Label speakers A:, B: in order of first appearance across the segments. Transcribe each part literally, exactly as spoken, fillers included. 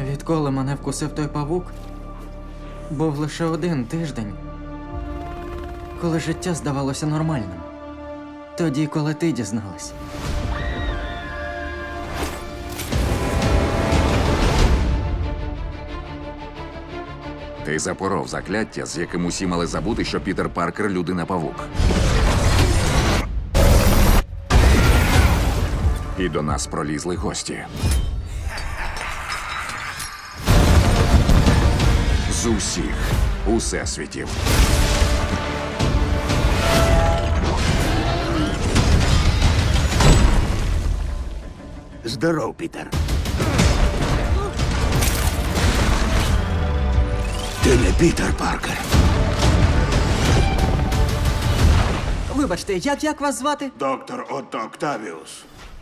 A: Відколи мене вкусив той павук, був лише один тиждень, коли життя здавалося нормальним. Тоді, коли ти дізналась.
B: Ти запоров закляття, з яким усі мали забути, що Пітер Паркер – людина-павук. І до нас пролізли гості. З усіх усесвітів.
C: Здоров, Пітер. Ти не Пітер Паркер.
A: Вибачте, як, як вас звати?
C: Доктор Отто Октавіус.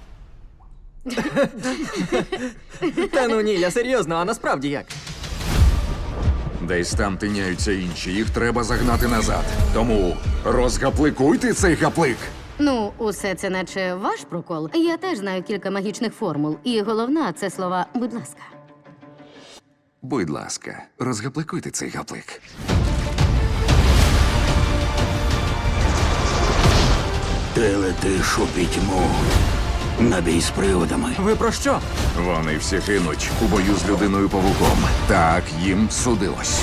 A: Та ну ні, я серйозно, а насправді як?
B: Десь там тиняються інші, їх треба загнати назад. Тому розгапликуйте цей гаплик!
D: Ну, усе це наче ваш прокол. Я теж знаю кілька магічних формул. І головна це слова «будь ласка».
B: Будь ласка, розгапликуйте цей гаплик.
C: Ти летиш у пітьму. На бій з приводами.
A: Ви про що?
B: Вони всі гинуть у бою з людиною-павуком. Так їм судилось.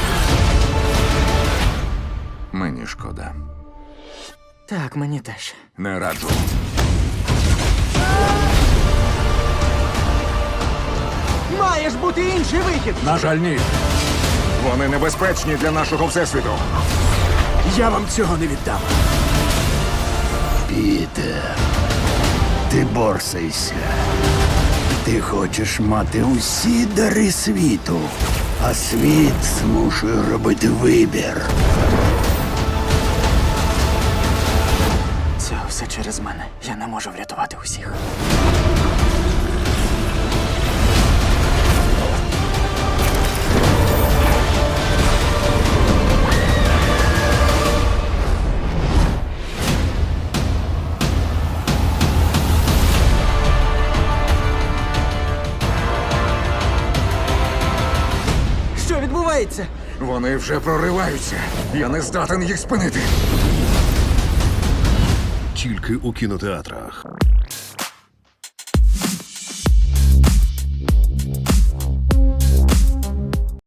B: Мені шкода.
A: Так, мені теж.
B: Не раджу.
A: Маєш бути інший вихід!
B: На жаль, ні. Вони небезпечні для нашого всесвіту.
C: Я вам цього не віддам. Пітер, ти борсайся. Ти хочеш мати усі дари світу, а світ змушує робити вибір.
A: Це все через мене. Я не можу врятувати усіх. Що відбувається?
B: Вони вже прориваються. Я не здатен їх спинити.
E: Тільки у кінотеатрах.